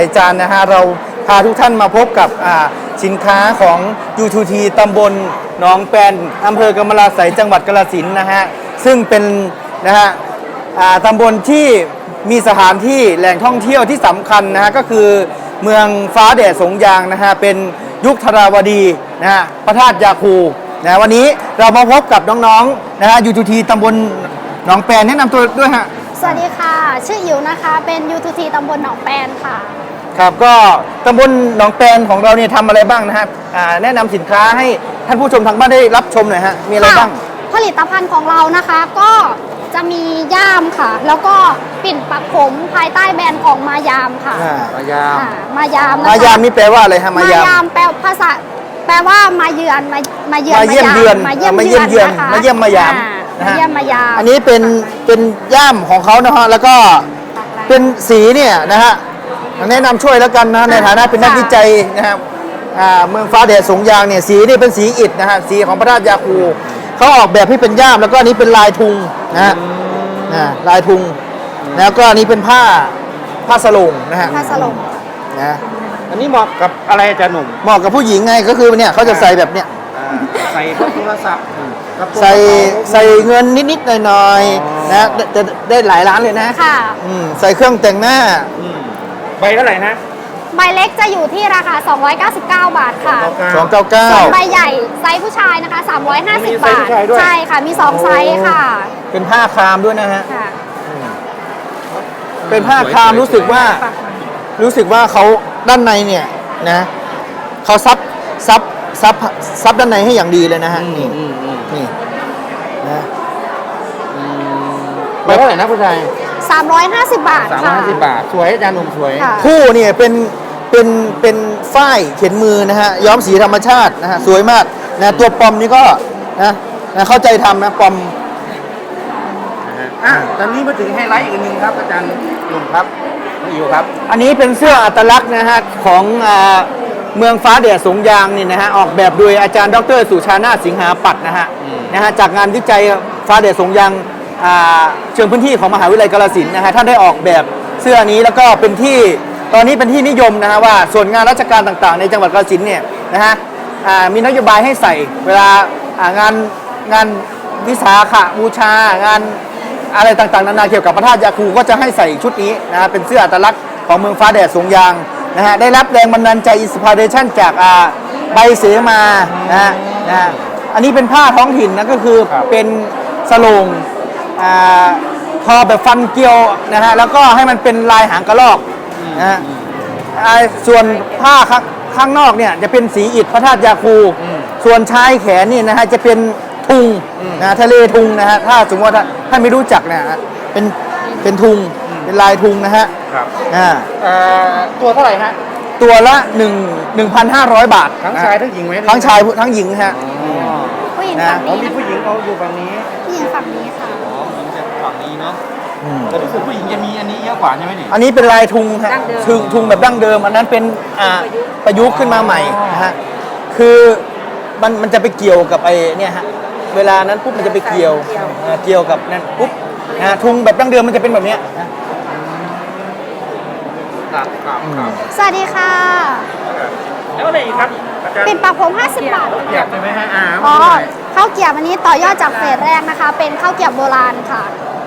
จานนะฮะเราพาทุกท่านมาพบกับสินค้าของ U2T ตำบลหนองแปนอำเภอกำมะลาไสยจังหวัดกาฬสินธุ์นะฮะซึ่งเป็นนะฮะตำบลที่มีสถานที่แหล่งท่องเที่ยวที่สำคัญนะฮะก็คือเมืองฟ้าแดดสงยางนะฮะเป็นยุคธราวดีนะฮะพระธาตุยาคูนะวันนี้เรามาพบกับน้องๆนะฮะ U2T ตำบลหนองแปนแนะนำตัวด้วยฮะสวัสดีค่ะชื่ออิ๋วนะคะเป็น U2T ตำบลหนองแปนค่ะครับก็ตำบลหนองแปนของเราเนี่ยทำอะไรบ้างนะฮะแนะนำสินค้าให้ท่านผู้ชมทางบ้านได้รับชมหน่อยฮะมีอะไรบ้างผลิตภัณฑ์ของเรานะคะก็จะมีย่ามค่ะแล้วก็ปิ่นปักผมภายใต้แบรนด์ของมายามค่ะมายามมายามนะคะมายามนี่แปลว่าอะไรฮะมายามแปลภาษาแปลว่ามาเยือนมาเยี่ยมเยือนมาเยี่ยมนะคะมาเยี่ยมมายามมาเยี่ยมมายามอันนี้เป็นย่ามของเขานะฮะแล้วก็เป็นสีเนี่ยนะฮะแนะนำช่วยแล้วกันนะในฐานะเป็นนักวิจัยนะครับเมืองฟ้าแดดสงยางเนี่ยสีนี่เป็นสีอิฐนะฮะสีของพระธาตุยาคูเขาออกแบบให้เป็นย่ามแล้วก็อันนี้เป็นลายทุงนะฮะลายทุงแล้วก็อันนี้เป็นผ้าสลงนะฮะผ้าสลงนะอันนี้เหมาะกับอะไรอาจารย์หนุ่มเหมาะกับผู้หญิงไงก็คือเนี่ยเขาจะใส่แบบเนี้ยใส่โทรศัพท์ใส่เงินนิดๆหน่อยๆนะจะได้หลายล้านเลยนะค่ะใส่เครื่องแต่งหน้าใบเท่าไหร่นะใบเล็กจะอยู่ที่ราคา299 บาทค่ะ 299 ส่วนใบใหญ่ไซส์ผู้ชายนะคะ350 บาทใช่ค่ะมี2ไซส์ค่ะเป็นผ้าครามด้วยนะฮะเป็นผ้าครามรู้สึกว่าเขาด้านในเนี่ยนะเขาซับด้านในให้อย่างดีเลยนะฮะนี่นะใบเท่าไหร่นะผู้ชาย 350 บาทค่ะ 350 บาทสวยอาจารย์หนุ่มสวยคู่เนี่ยเป็นฝ้ายเขียนมือนะฮะย้อมสีธรรมชาตินะฮะสวยมากนะตัวปอมนี่ก็นะเข้าใจทำนะปอมตอนนี้มาถึงไฮไลท์อีกนึงครับอาจารย์หนุ่มครับอยู่ครับอันนี้เป็นเสื้ออัตลักษณ์นะฮะของเมืองฟ้าแดดสงยางนี่นะฮะออกแบบโดยอาจารย์ดร.สุชานาถสิงหาปัตย์นะฮะจากงานวิจัยฟ้าแดดสงยางเชิงพื้นที่ของมหาวิทยาลัยกาฬสินธุ์นะฮะท่านได้ออกแบบเสื้อนี้แล้วก็เป็นที่ตอนนี้เป็นที่นิยมนะฮะว่าส่วนงานราชการต่างๆในจังหวัดกาฬสินธุ์เนี่ยนะฮะมีนโยบายให้ใส่เวลางานวิสาขบูชางานอะไรต่างๆนานาเกี่ยวกับพระธาตุยาคูก็จะให้ใส่ชุดนี้นะฮะเป็นเสื้ออัตลักษณ์ของเมืองฟ้าแดดสงยางนะฮะได้รับแรงบันดาลใจอินสปิเรชันจากใบเสมานะฮะอันนี้เป็นผ้าท้องถิ่นนะก็คือเป็นสโลงทอแบบฟันเกลียวนะฮะแล้วก็ให้มันเป็นลายหางกระรอกนะฮะส่วนผ้าข้างนอกเนี่ยจะเป็นสีอิฐพระธาตุยาคูส่วนชายแขนนี่นะฮะจะเป็นทุงนะทะเลทุงนะฮะถ้าสมมติว่าถ้าไม่รู้จักเนี่ยเป็นทุงเป็นลายทุงนะฮะครับตัวเท่าไหร่ฮะตัวละ1,500 บาททั้งชายทั้งหญิงไหมทั้งชายทั้งหญิงฮะผู้หญิงฝั่งนี้มีผู้หญิงเขาอยู่ฝั่งนี้ผู้หญิงฝั่งนี้ค่ะผู้หญิงจะฝั่งนี้เนาะแต่รู้สึกผู้หญิงจะมีอันนี้เยอะกว่าใช่ไหมนี่อันนี้เป็นลายทุงฮะทุงแบบดั้งเดิมอันนั้นเป็นประยุกต์ขึ้นมาใหม่นะฮะคือมันจะไปเกี่ยวกับไอ้เนี่ยฮะเวลานั้นปุ๊บมันจะไปเกี่ยวกับนั่นปุ๊บทุงแบบดั้งเดิมมันจะเป็นแบบนี้สวัสดีค่ะแล้วอะไรอีกครับปิ่นปักผม50 บาทเกียบใช่ไหมฮะข้าวเกียบอันนี้ต่อยอดจากเฟสแรกนะคะเป็นข้าวเกียบโบราณค่ะ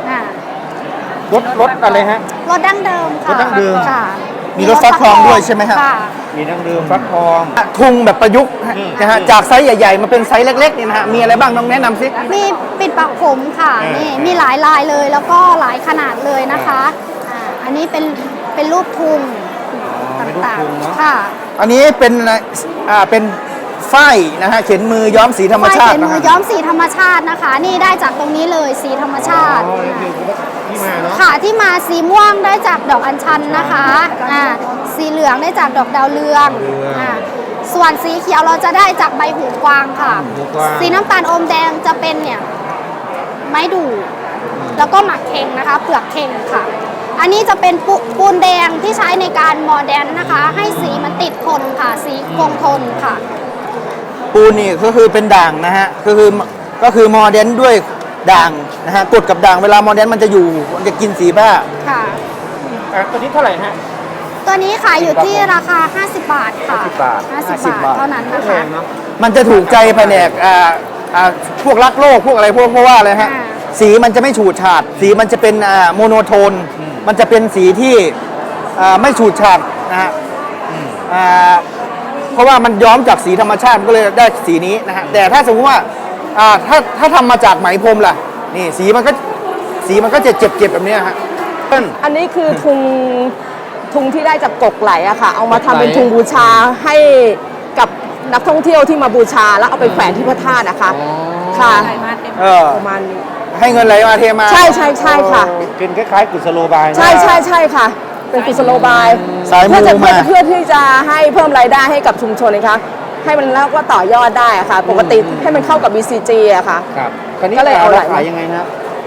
รสอะไรฮะรสดั้งเดิมค่ะรสดั้งเดิมค่ะมีรสฟักทองด้วยใช่ไหมครับมีดั้งเดิมฟักทองทุงแบบประยุกต์นะฮะจากไซส์ใหญ่ๆมาเป็นไซส์เล็กๆนี่นะฮะมีอะไรบ้างต้องแนะนำสิมีปิ่นปักผมค่ะนี่มีหลายลายเลยแล้วก็หลายขนาดเลยนะคะอันนี้เป็นรูปทุงต่างๆค่ะอันนี้เป็นฝ้ายนะฮะเขียนมือย้อมสีธรรมชาติเขียนมือย้อมสีธรรมชาตินะคะนี่ได้จากตรงนี้เลยสีธรรมชาติค่ะที่มาสีม่วงได้จากดอกอัญชันนะคะสีเหลืองได้จากดอกดาวเรืองส่วนสีเขียวเราจะได้จากใบหูกวางค่ะสีน้ำตาลอมแดงจะเป็นเนี่ยไม้ดูแล้วก็หมักเค็งนะคะเปลือกเค็งค่ะอันนี้จะเป็นปูนแดงที่ใช้ในการโมเดิร์นนะคะให้สีมันติดทนค่ะสีคงทนค่ะปูนนี่ก็คือเป็นด่างนะฮะก็คือโมเดิร์นด้วยด่างนะฮะกดกับด่างเวลาโมเดิร์นมันจะอยู่มันจะกินสีผ้าค่ะตัวนี้เท่าไหร่ฮะตัวนี้ขายอยู่ที่ราคา 50 บาทค่ะ 50 บาท 50 บาทเท่านั้นนะคะมันจะถูกใจแผนกพวกรักโลกพวกอะไรพวกเพราะว่าอะไรฮะอ่าสีมันจะไม่ฉูดฉาด สีมันจะเป็นโมโนโทน มันจะเป็นสีที่ไม่ฉูดฉาดนะฮะเพราะว่ามันย้อมจากสีธรรมชาติก็เลยได้สีนี้นะฮะแต่ถ้าสมมติว่าถ้าทำมาจากไหมพรมล่ะนี่สีมันก็จะเจ็บแบบนี้ฮะอันนี้คือทุงที่ได้จากกกไหลอะค่ะ เอามาทำเป็นทุงบูชาให้กับนักท่องเที่ยวที่มาบูชาแล้วเอาไปแขวนที่พระธาตุนะคะค่ะ ประมาณนี้ให้เงินไหลมาเทมาใช่ใช่ใช่ค่ะเป็นคล้ายๆกุศโลบายใช่ใช่ใช่ค่ะ เป็นกุศโลบายสายมูเพื่อมาที่จะให้เพิ่มรายได้ให้กับชุมชนนะคะให้มันแล้วก็ต่อยอดได้อะค่ะ ปกติให้มันเข้ากับ BCG อะค่ะครับคราวนี้ก็เลยเอาไหลขายยังไงนะ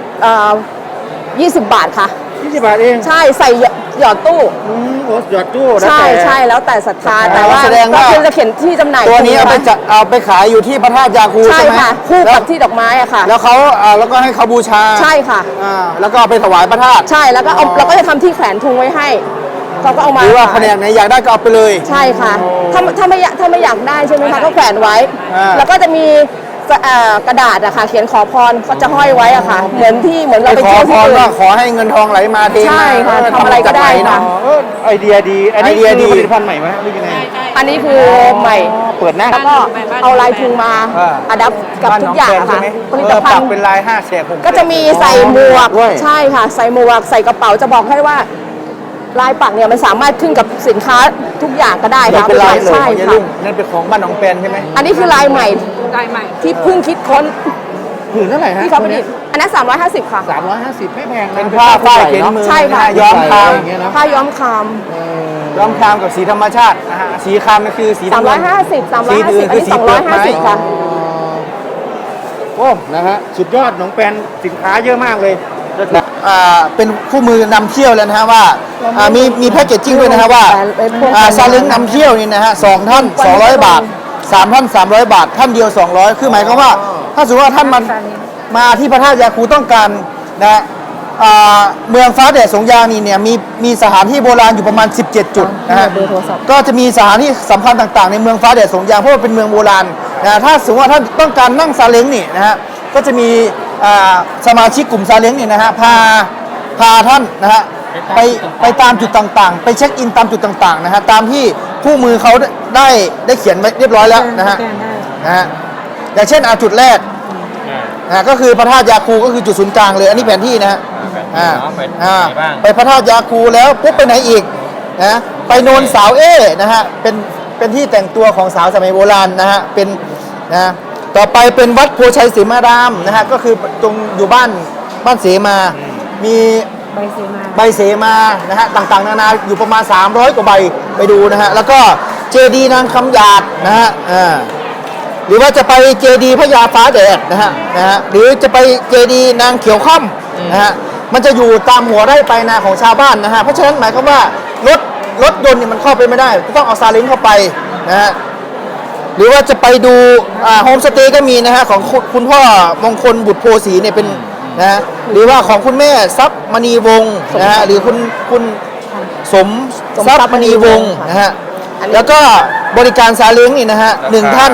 20 บาทค่ะ 20 บาทเองใช่ใส่หยอดตู้โอ้หยอดตู้แล้วใช่แต่ใช่แล้วแต่ศรัทธาแต่ว่าแสดงว่าก็คือจะเขียนที่จำหน่ายตัวนี้เอาไปขายอยู่ที่พระธาตุยาคูใช่ใช่ไหมค่ะ คู่แล้วกับที่ดอกไม้อะค่ะแล้วเขาแล้วก็ให้เขาบูชาใช่ค่ะแล้วก็เอาไปถวายพระธาตุใช่แล้วก็เอาเราก็จะทำที่แขวนทุงไว้ให้เขาก็เอามาหรือว่าแผนกไหนอยากได้ก็เอาไปเลยใช่ค่ะถ้าไม่อยากได้ใช่ไหมคะก็แขวนไว้ แล้วก็จะมีกระดาษอะค่ะเขียนขอพรก็จะห้อยไว้อะค่ะ เหมือนเราไปไปขอเที่ยวพที่รอื่ว่าน ขอให้เงินทองไหลมาเทมาใช่ค่ะทำอะไรก็ได้ค่ะไอเดียดี อันนี้ไอเดียดีคือผลิตภัณฑ์ใหม่ไหมหรือยังไงอันนี้คือใหม่เปิดหน้าแล้วก็เอาลายทุงมาอัดับกับบ้านทุน้กองอย่างแฟนอะใช่ค่ะไหมผลิตภัปัณกฑ์เป็นลาย5 แฉกผมก็จะมีใส่หมวกด้วยใช่ค่ะ ใส่หมวกใส่กระเป๋าจะบอกให้ว่าลายปักเนี่ยมันสามารถขึ้นกับสินค้าทุกอย่างก็ได้นี่ค่ะเป็นลายเลยใช่ของยายค่ะลุงนั่นเป็นของบ้านน้องแปนใช่ไหมอันนี้คือลายใหม่ที่เพิ่งคิดค้นผืนเท่าไหร่ฮะที่เขาประดิษฐ์อันนั้น350 ค่ะ 350 ไม่แพงนะเป็นผ้าฝ้ายเข็นมือใช่ค่ะย้อมคามอย่างเงี้ยนะผ้าย้อมคามย้อมคามกับสีธรรมชาตินะฮะสีคามนั่นคือสีน้ำเงิน 350 สีอื่น 350อันคือนี้สีเปลือกไม้ 250ค่ะโอ้นะฮะสุดยอดน้องแปนสินค้าเยอะมากเลยเป็นคู่มือนำเที่ยวแล้วนะฮะว่ามีแพ็กเกจจิ้งด้วยนะฮะว่าซาเล้งนำเที่ยวนี่นะฮะ2 ท่าน 200 บาท 3 ท่าน 300 บาท ท่านเดียว 200 คือหมายความว่า ถ้าสมมติว่าท่านมาที่พระธาตุยาคูต้องการนะเมืองฟ้าแดดสงยางนี่เนี่ยมีสถานที่โบราณอยู่ประมาณ 17 จุดนะฮะก็จะมีสถานที่สำคัญต่างๆในเมืองฟ้าแดดสงยางเพราะว่าเป็นเมืองโบราณนะถ้าสมมติว่าท่านต้องการนั่งซาเล้งนี่นะฮะก็จะมีสมาชิกกลุ่มซาเล้งนี่นะฮะพาท่านนะฮะไปตามจุดต่างๆ ไปเช็คอินตามจุดต่างๆนะฮะตามที่คู่มือเขาได้เขียนไว้เรียบร้อยแล้วนะฮะอย่างเช่นจุดแรกก็คือพระธาตุยาคูก็คือจุดศูนย์กลางเลยอันนี้แผนที่นะฮะไปพระธาตุยาคูแล้วปุ๊บไปไหนอีกนะไปโนนสาวนะฮะเป็นที่แต่งตัวของสาวสมัยโบราณนะฮะเป็นนะต่อไปเป็นวัดโพชัยศรีมารามนะฮะก็คือตรงอยู่บ้านเสมามีใบเสมานะฮะต่างๆนานาอยู่ประมาณ300 กว่าใบไปดูนะฮะแล้วก็เจดีย์นางคำหยาดนะฮะหรือว่าจะไปเจดีย์พญาฟ้าแดดนะฮะหรือจะไปเจดีย์นางเขียวค่ำนะฮะมันจะอยู่ตามหัวไร่ไปนาของชาวบ้านนะฮะเพราะฉะนั้นหมายความว่ารถยนต์เนี่ยมันเข้าไปไม่ได้ต้องเอาซาเล้งเข้าไปนะฮะหรือว่าจะไปดูโฮมสเตย์ก็มีนะฮะของคุณพ่อมงคลบุตรโพสีเนี่ยเป็นนะฮะหรือว่าของคุณแม่ทรัพย์มณีวงศ์นะฮะหรือคุณสมทรัพย์มณีวงศ์นะฮะแล้วก็บริการซาเล้งนี่นะฮะ1 ท่าน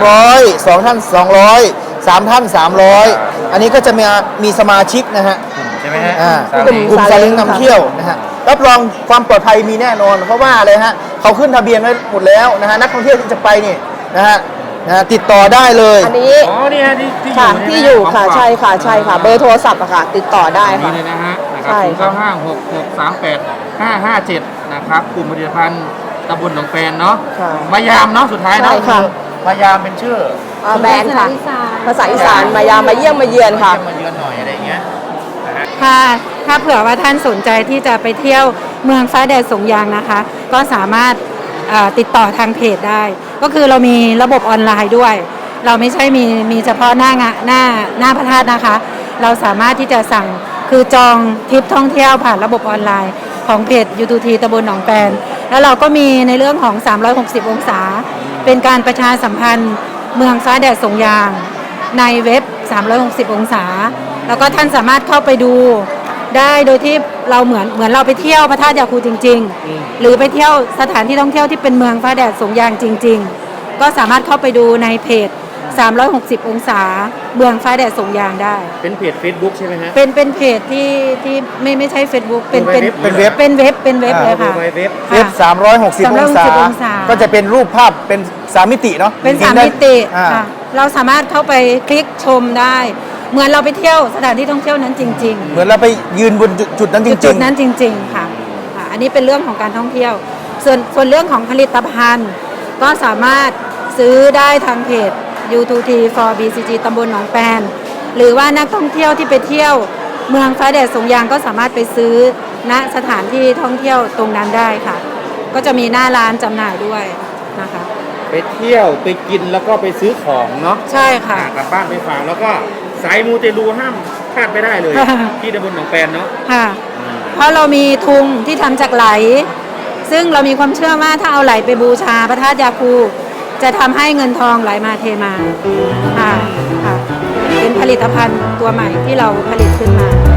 200 2 ท่าน 200 3 ท่าน 300 อันนี้ก็จะมีสมาชิกนะฮะใช่ไหมฮะกลุ่มกลุ่มซาเล้งนำเที่ยวนะฮะรับรองความปลอดภัยมีแน่นอนเพราะว่าอะไรฮะเขาขึ้นทะเบียนไว้หมดแล้วนะฮะนักท่องเที่ยวที่จะไปนี่นะฮะติดต่อได้เลยอันนี้อ๋อเนี่ยที่ค่ะอยู่ที่อยู่ค่ะใช่ค่ะใช่ค่ะ เบอร์โทรศัพท์อะค่ะติดต่อได้นี่ค่ะเลยนะฮะนะคใช่รับค่ะ 0956638557นะครับกลุ่มผลิตภัณฑ์ตำบลหนองแปนเนาะค่ะมายามเนาะสุดท้ายเนาะใช่ค่ะมายามเป็นชื่อแบรนด์ค่ะ ภาษาอีสานมาเยี่ยมมาเยือนค่ะมาเยือนหน่อยอะไรอย่างเงี้ยถ้าเผื่อว่าท่านสนใจที่จะไปเที่ยวเมืองฟ้าแดดสงยางนะคะ ก็สามารถติดต่อทางเพจได้ ก็คือเรามีระบบออนไลน์ด้วย เราไม่ใช่มีเฉพาะหน้าพระธาตุนะคะ เราสามารถที่จะสั่งคือจองทริปท่องเที่ยวผ่านระบบออนไลน์ของเพจ U2T ตำบลหนองแปนแล้วเราก็มีในเรื่องของ360 องศา เป็นการประชาสัมพันธ์เมืองฟ้าแดดสงยางในเว็บ360 องศาแล้วก็ท่านสามารถเข้าไปดูได้โดยที่เราเหมือนเราไปเที่ยวพระธาตุยาคูจริง ๆ หรือไปเที่ยวสถานที่ท่องเที่ยวที่เป็นเมืองฟ้าแดดสงยางจริง ๆ ก็สามารถเข้าไปดูในเพจ 360 องศาเมืองฟ้าแดดสงยางได้เป็นเพจ Facebook ใช่ไหมฮะเป็นเพจที่ไม่ใช่ Facebook เป็นเป็นเว็บเป็นเว็บเลยค่ะดูในเว็บเว็บค่ะ 360 องศาองศาก็จะเป็นรูปภาพเป็น3 มิติเนาะเป็นห็ 3 ได้มิติอ่าค่ะเราสามารถเข้าไปคลิกชมได้ เหมือนเราไปเที่ยวสถานที่ท่องเที่ยวนั้นจริง ๆเหมือนเราไปยืนบนจุดนั้นจจุริดงนั้นจริง ๆ ค่ะ อันนี้เป็นเรื่องของการท่องเที่ยว ส่วนเรื่องของผลิตภัณฑ์ ก็สามารถซื้อได้ทางเพจ U2T for BCG ตำบลหนองแปนหรือว่านักท่องเที่ยวที่ไปเที่ยวเมืองฟ้าแดดสงยางก็สามารถไปซื้อณสถานที่ท่องเที่ยวตรงนั้นได้ค่ะ ก็จะมีหน้าร้านจำหน่ายด้วยนะคะไปเที่ยวไปกินแล้วก็ไปซื้อของเนาะใช่ค่ะกลับบ้านไปฝากแล้วก็สายมูเตลูห้ามพลาดไม่ได้เลย ที่ตำบลหนองแปนเนาะค่ะ เพราะเรามีทุงที่ทำจากไหล ซึ่งเรามีความเชื่อว่าถ้าเอาไหลไปบูชาพระธาตุยาคูจะทำให้เงินทองไหลมาเทมาค่ะค่ะ เป็นผลิตภัณฑ์ตัวใหม่ที่เราผลิตขึ้นมา